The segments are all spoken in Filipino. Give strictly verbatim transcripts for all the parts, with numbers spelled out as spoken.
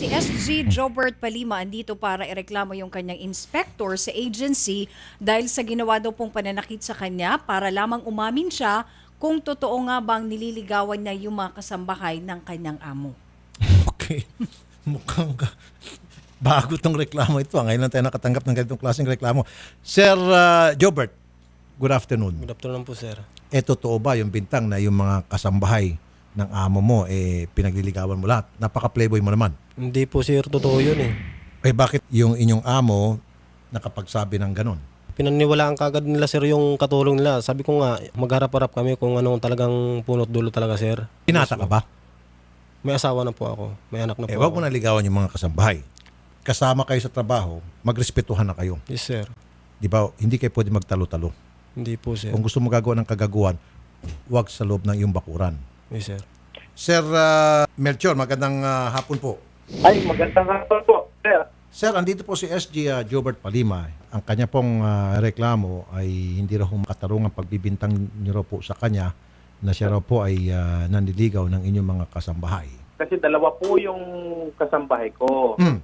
Si S G Jobert Palima andito para ireklamo yung kanyang inspector sa agency dahil sa ginawa daw pong pananakit sa kanya para lamang umamin siya kung totoo nga bang nililigawan niya yung mga kasambahay ng kanyang amo. Okay. Mukhang ka. Bago tong reklamo ito. Ngayon lang tayo nakatanggap ng ganitong klaseng reklamo. Sir uh, Jobert, good afternoon. Good afternoon po, sir. Eh, totoo ba yung bintang na yung mga kasambahay ng amo mo, eh, pinagliligawan mo lahat? Napaka-playboy mo naman. Hindi po, sir. Totoo yun eh. Eh, bakit yung inyong amo nakapagsabi ng ganon? Pinaniwalaan kagad nila, sir, yung katulong nila. Sabi ko nga, magharap-harap kami kung anong talagang punot dulo talaga, sir. Pinata ka ba? May asawa na po ako. May anak na po Eh, wag ako. mo na ligawan yung mga kasambahay. Kasama kayo sa trabaho, magrespetuhan na kayo. Yes, sir. Di ba? Hindi kayo pwede magtalo-talo. Hindi po, sir. Kung gusto mo gagawa ng kagaguhan, wag sa loob ng iyong bakuran. Yes, sir. Sir uh, Melchor, magandang uh, hapon po. Ay, magandang hapon po, sir. Sir, andito po si S G uh, Jobert Palima. Ang kanya pong uh, reklamo ay hindi raw makatarungan pagbibintang niyo raw po sa kanya na siya raw po ay uh, nanliligaw ng inyong mga kasambahay. Kasi dalawa po yung kasambahay ko. Hmm.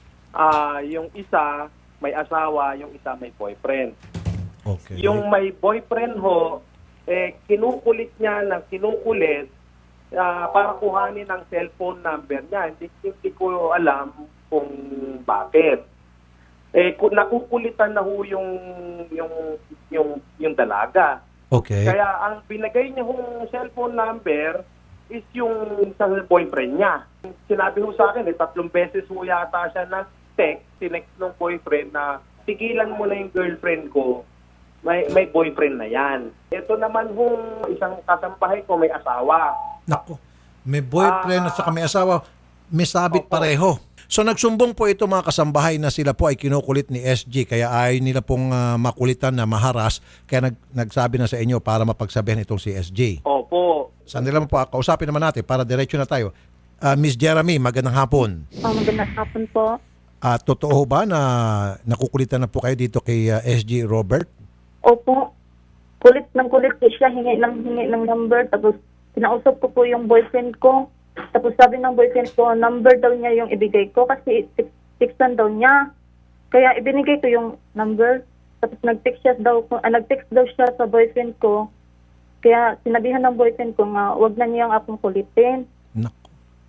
Ah, yung isa may asawa, yung isa may boyfriend. Okay. Yung may boyfriend ho, eh, kinukulit niya ng kinukulit ah, para kuhanin ang cellphone number niya. Hindi, hindi ko alam kung bakit. Eh, kung nakukulitan na ho yung, yung, yung, yung dalaga. Okay. Kaya ang binigay niya hong cellphone number is yung sa boyfriend niya. Sinabi ho sa akin, eh, tatlong beses ho yata siya na text, sinext ng boyfriend na tigilan mo na yung girlfriend ko, may, may boyfriend na yan. Ito naman hong isang kasambahay ko, may asawa. Nako, may boyfriend at saka may asawa, may sabit Opo. pareho. So nagsumbong po ito mga kasambahay na sila po ay kinukulit ni S G kaya ayaw nila pong uh, makulitan na maharas kaya nag, nagsabi na sa inyo para mapagsabihan itong si S G. Opo. Sandali lang po, kausapin naman natin para diretso na tayo. Uh, Miss Jeremy, magandang hapon. Oh, magandang hapon po. Uh, totoo ba na nakukulitan na po kayo dito kay uh, S G Robert? Opo. Kulit ng kulit po siya, hingi ng hingi ng number. Tapos kinausap ko po yung boyfriend ko. Tapos sabi ng boyfriend ko, number daw niya yung ibigay ko kasi textan daw niya. Kaya ibinigay ko yung number. Tapos nag-text siya daw, ah, nag-text daw siya sa boyfriend ko. Kaya sinabihan ng boyfriend ko nga, wag na niyang akong kulitin. Nako.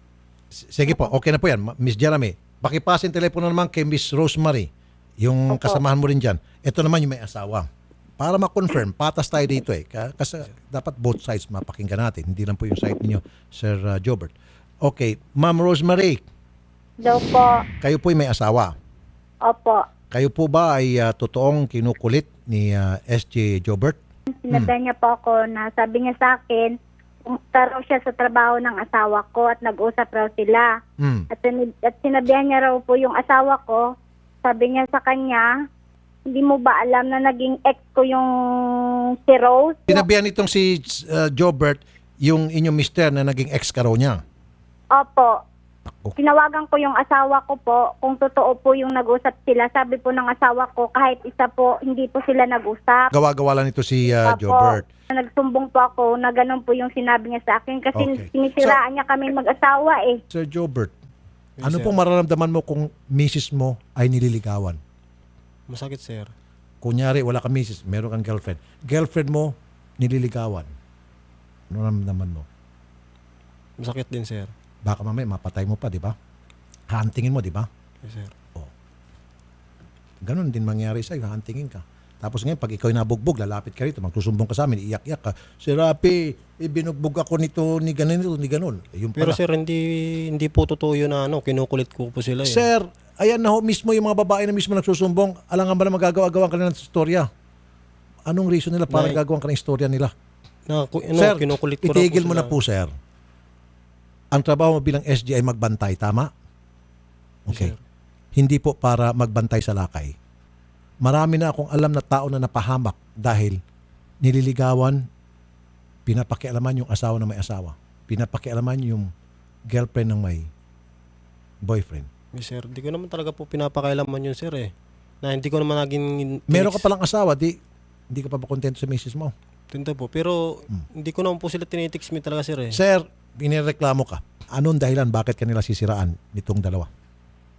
S- Sige po, okay na po yan. Ma- Miss Jeremy, pakipasin telepono naman kay Miss Rosemary, yung Opo. kasamahan mo rin dyan. Ito naman yung may asawa. Para ma-confirm, patas tayo dito eh. Ka- Kasi dapat both sides mapakinggan natin. Hindi lang po yung side ninyo, Sir uh, Jobert. Okay, Ma'am Rosemary, Daw po. kayo po ay may asawa. Opo. Kayo po ba ay uh, totoong kinukulit ni uh, S J Jobert? Sinabi niya po ako na sabi niya sa akin, pumunta raw siya sa trabaho ng asawa ko at nag-usap raw sila. Hmm. At, sin- at sinabihan niya raw po yung asawa ko, sabi niya sa kanya, hindi mo ba alam na naging ex ko yung si Rose? Sinabihan itong si uh, Jobert yung inyong mister na naging ex ka raw niya. Opo. Ako. Tinawagan ko yung asawa ko po kung totoo po yung nag-usap sila. Sabi po ng asawa ko kahit isa po hindi po sila nag-usap. Gawa-gawa lang ito si uh, Opo. Jobert. Nagsumbong po ako na ganun po yung sinabi niya sa akin kasi Okay. sinisiraan niya kami mag-asawa eh. Sir Jobert, Yes, ano sir. pong mararamdaman mo kung misis mo ay nililigawan? Masakit, sir. Kunyari, wala kang misis, meron kang girlfriend. Girlfriend mo, nililigawan. Ano naman mo? Masakit din, sir. Baka mamaya mapatay mo pa, di ba? Huntingin mo, di ba? Yes, sir. Ganon din mangyari sa'yo, huntingin ka. Tapos ngayon, pag ikaw nabugbog, lalapit ka rito, magsusumbong ka sa amin, iyak-iyak ka. Si Rapi, eh, binugbog ako nito, ni ganon, nito, ni ganon. Eh, yun Pero pala. sir, hindi hindi po totoo yun na ano, kinukulit ko po sila eh. Sir, ayan na ho, mismo yung mga babae na mismo nagsusumbong, alangan ba na magagawa-gawa ka na ng istorya? Anong reason nila para Nay- gagawa ka ng istorya nila? Na, ku- ano, Sir, kinukulit ko raw itigil mo po sila. na po, sir. Ang trabaho mo bilang S G ay magbantay, tama? Okay. Yes, sir. Hindi po para magbantay sa lakay. Marami na akong alam na tao na napahamak dahil nililigawan, pinapakialaman yung asawa ng may asawa. Pinapakialaman yung girlfriend ng may boyfriend. Yes, sir. Hindi ko naman talaga po pinapakailaman yun, sir eh. Na hindi ko naman naging... Meron ka palang asawa, di, hindi ka pa ba kontento sa misis mo? Tinto po. Pero hindi ko naman po sila tinitix me talaga, sir eh. Sir, inireklamo ka. Anong dahilan bakit kanila sisiraan nitong dalawa?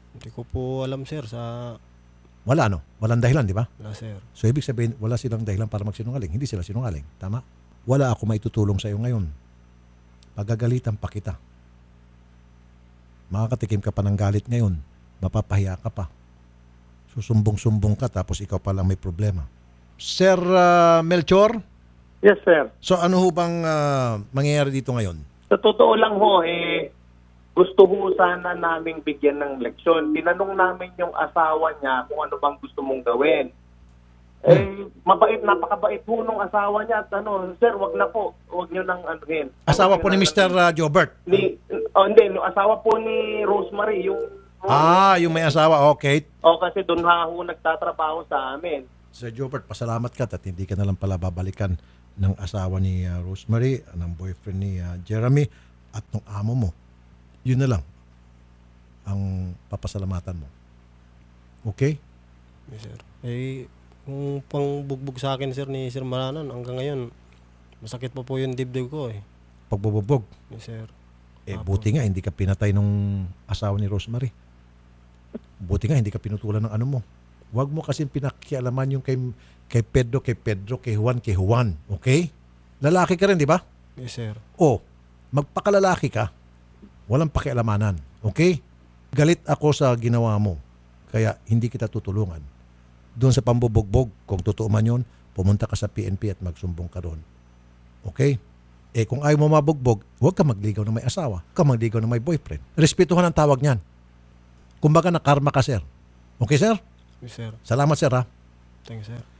Hindi ko po alam sir sa Wala no? Walang dahilan, di ba? wala sir. So ibig sabihin, wala silang dahilan para magsinungaling. Hindi sila sinungaling. Tama? Wala ako maitutulong sa iyo ngayon. Pagagalitan pa kita. Makakatikim ka pa ng galit ngayon. Mapapahiya ka pa. Susumbong-sumbong ka tapos ikaw pa lang may problema. Sir ah, Melchor, Yes, sir. so ano ho bang ah, mangyayari dito ngayon? Sa totoo lang ho, eh, gusto ho sana naming bigyan ng leksyon. Tinanong namin yung asawa niya kung ano bang gusto mong gawin. Eh, mabait, napakabait ho nung asawa niya. At ano, sir, wag na po. Wag niyo nang anuhin. Asawa Wag po niyo ni nang Mister anuhin. ah, Jobert. Ni, oh, hindi, no, asawa po ni Rosemary, yung... Ah, yung may asawa. Okay. O, kasi doon ha ho nagtatrabaho sa amin. Sir Jobert, pasalamat ka at hindi ka na lang pala babalikan ng asawa ni ah, Rosemary, ng boyfriend ni ah, Jeremy at ng amo mo. Yun na lang ang papasalamatan mo. Okay? Yes, sir. Eh, kung pang bugbog sa akin sir ni Sir Maranan hanggang ngayon, masakit pa po yung dibdib ko eh. Pagbububog. Yes, sir. Eh, Apo. buti nga hindi ka pinatay nung asawa ni Rosemary. Buti nga hindi ka pinutulan ng ano mo. Huwag mo kasi pinakialaman yung kay, kay Pedro, kay Pedro, kay Juan, kay Juan. Okay? Lalaki ka rin, di ba? Yes, sir. O, magpakalalaki ka. Walang pakialamanan. Okay? Galit ako sa ginawa mo. Kaya hindi kita tutulungan. Doon sa pambubugbog, kung totoo man yun, pumunta ka sa P N P at magsumbong ka doon. Okay? Eh kung ayaw mo mabugbog, huwag ka magligaw ng may asawa. Huwag ka magligaw ng may boyfriend. Respetuhan ang tawag niyan. Kumbaga na karma ka, sir. Okay, sir? Yes, sir. Salamat, sir, ha? Thank you, sir.